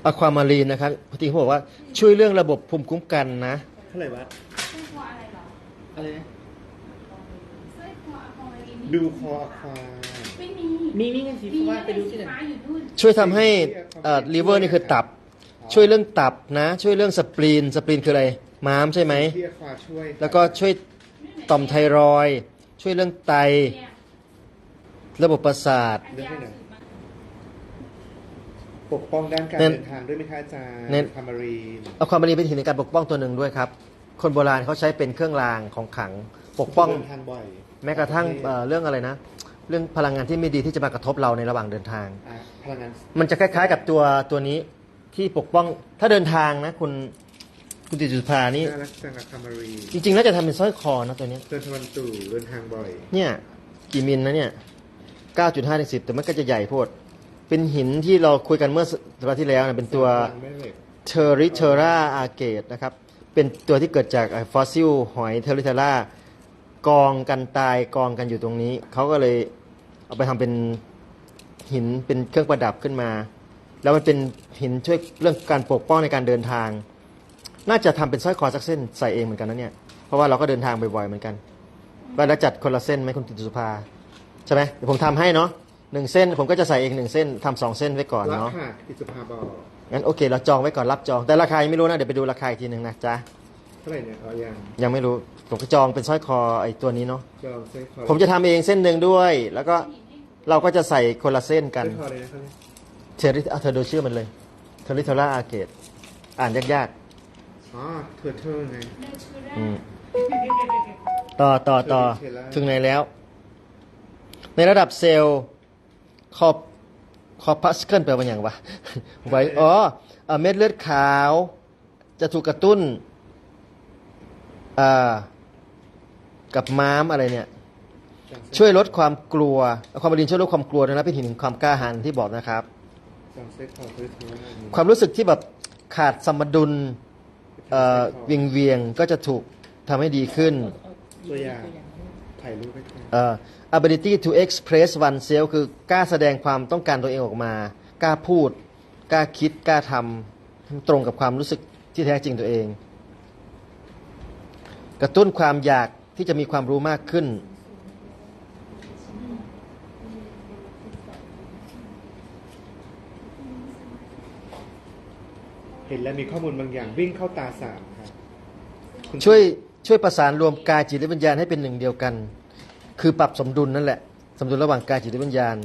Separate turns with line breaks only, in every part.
อะความารีนนะครับพอดีเขาบอกว่าช่วยเรื่องระบบภูมิคุ้มกันนะ
เท่าไหร่วะ
สร้อยคออะไรเหรอ
อะไรนะ
สร้อยคออะคอมารีน
ดูคออะควา
ไม่มี
มีเงินสีฟ้าไปดูที่ไหน
ฟ้าอยู่นู่น
ช่วยทำให้ลิเวอร์นี่คือตับช่วยเรื่องตับนะช่วยเรื่องสปลีนคืออะไรม้ามใช่ไหม
ที่อะควาช่วย
แล้วก็ช่วยต่อมไทรอยด์ช่วยเรื่องไต
เนี่ย
ระบบประสาท
อันยาวสุดมา
ปกป้องด้านการเดินทางด้วยไหมคะอาจารย์คามารีน
อะความารีนเป็นหินในการปกป้องตัวหนึ่งด้วยครับคนโบราณเขาใช้เป็นเครื่องรางของขลังปกป้อง
เดินทางบ่อย
แม้กระทั่งเรื่องอะไรนะเรื่องพลังงานที่ไม่ดีที่จะมากระทบเราในระหว่างเดินทาง
พลังงาน
มันจะคล้ายๆกับตัวนี้ที่ปกป้องถ้าเดินทางนะคุณติจุภานี่
น่ารักจังอะคามารีน
จริงๆน่าจะทำเป็นสร้อยคอนะตัวนี้
เดินทางตู่เดินทางบ่อย
เนี่ยกี่มิลนะเนี่ย 9.5 ถึง 10แต่มันก็จะใหญ่โพดเป็นหินที่เราคุยกันเมื่อสัปดาห์ที่แล้วนะเป็นตัวเทอริเทราอาเกตนะครับเป็นตัวที่เกิดจากฟอสซิลหอยเทอริเทรากองกันตายกองกันอยู่ตรงนี้เขาก็เลยเอาไปทำเป็นหินเป็นเครื่องประดับขึ้นมาแล้วมันเป็นหินช่วยเรื่องการปกป้องในการเดินทางน่าจะทำเป็นสร้อยคอสักเส้นใส่เองเหมือนกันนะเนี่ยเพราะว่าเราก็เดินทางบ่อยๆเหมือนกันว่าแล้วจัดคนละเส้นไหมคุณติสุภาใช่ไหมเดี๋ยวผมทำให้เนาะ1 เส้นผมก็จะใส่เอง1 เส้นทำ2 เส้นไว้ก่อนเนาะ
ค่ะติสุภาบอก
งั้นโอเคเราจองไว้ก่อนรับจองแต่ราคายังไม่รู้นะเดี๋ยวไปดูราคาอีกทีหนึ่งนะจ๊ะ
เท่าไหร่เนี่ย
ยังไม่รู้ผมก็จองเป็นสร้อยคอไอ้ตัวนี้เนาะ
จองเส้นคอ
ผมจะทำเองเส้นหนึ่งด้วย แล้วก็เราก็จะใส่คนละเส้นกัน
เส้นคอเลยนะครับ
เทอริเธอดูชื่อมันเลยเทอริเทราอาเกตอ่านยาก
อ๋อเธอไง
ๆต่อถึงไหนแล้วในระดับเซลล์คอพัสเคิลแปลว่าอย่างวะไว้เม็ดเลือดขาวจะถูกกระตุ้นกับม้ามอะไรเนี่ยช่วยลดความกลัวความบรินช่วยลดความกลัวนะเป็นหินความกล้าหาญที่บอกนะครับความรู้สึกที่แบบขาดสมดุลเวียงก็จะถูกทำให้ดีขึ้น
ตัวอย่างถ่ายรูปไว้
ability to express oneself คือกล้าแสดงความต้องการตัวเองออกมากล้าพูดกล้าคิดกล้าทำตรงกับความรู้สึกที่แท้จริงตัวเองกระตุ้นความอยากที่จะมีความรู้มากขึ้น
เห็นแล้วมีข้อมูลบางอย่างวิ่งเข้าตาสามครับ
ช่วยประสานรวมกายจิตและวิญญาณให้เป็นหนึ่งเดียวกันคือปรับสมดุลนั่นแหละสมดุลระหว่างกายจิตและวิญญาณ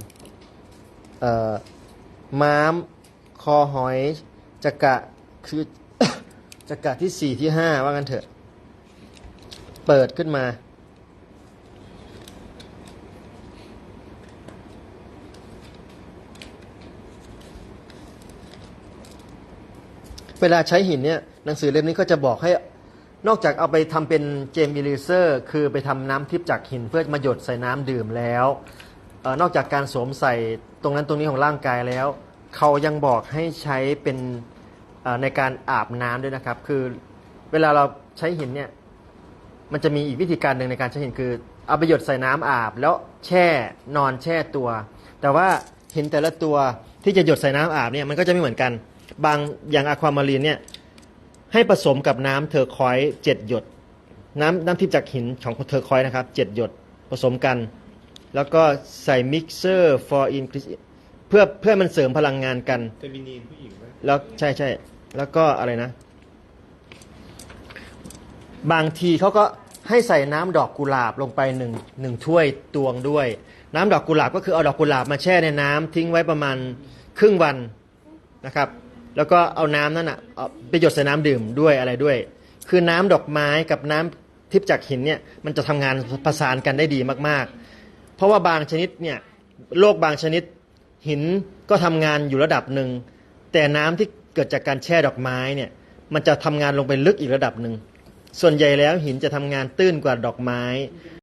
ม้ามคอหอยจักระคือ จักระที่ 4 ที่ 5ว่างั้นเถอะเปิดขึ้นมาเวลาใช้หินเนี่ยหนังสือเล่มนี้ก็จะบอกให้นอกจากเอาไปทำเป็นเจมอิลิเซอร์คือไปทำน้ำทิพย์จากหินเพื่อมาหยดใส่น้ำดื่มแล้วนอกจากการสวมใส่ตรงนั้นตรงนี้ของร่างกายแล้วเขายังบอกให้ใช้เป็นในการอาบน้ำด้วยนะครับคือเวลาเราใช้หินเนี่ยมันจะมีอีกวิธีการหนึ่งในการใช้หินคือเอาไปหยดใส่น้ำอาบแล้วนอนแช่ตัวแต่ว่าหินแต่ละตัวที่จะหยดใส่น้ำอาบเนี่ยมันก็จะไม่เหมือนกันบางอย่างอะความารีนเนี่ยให้ผสมกับน้ำเทอร์คอยส์7 หยดน้ำทิพย์จากหินของเทอร์คอยส์นะครับ7 หยดผสมกันแล้วก็ใส่มิกเซอร์ for increase เพื่อมันเสริมพลังงานกัน
เฟมินีนผู้หญิงไหม
แล้วใช่แล้วก็อะไรนะบางทีเขาก็ให้ใส่น้ำดอกกุหลาบลงไปหนึ่งถ้วยตวงด้วยน้ำดอกกุหลาบก็คือเอาดอกกุหลาบมาแช่ในน้ำทิ้งไว้ประมาณครึ่งวันนะครับแล้วก็เอาน้ำนั้นไปหยดใส่น้ำดื่มด้วยอะไรด้วยคือน้ำดอกไม้กับน้ำทิพย์จากหินเนี่ยมันจะทำงานประสานกันได้ดีมากๆเพราะว่าบางชนิดเนี่ยโรคบางชนิดหินก็ทำงานอยู่ระดับหนึ่งแต่น้ำที่เกิดจากการแช่ดอกไม้เนี่ยมันจะทำงานลงไปลึกอีกระดับหนึ่งส่วนใหญ่แล้วหินจะทำงานตื้นกว่าดอกไม้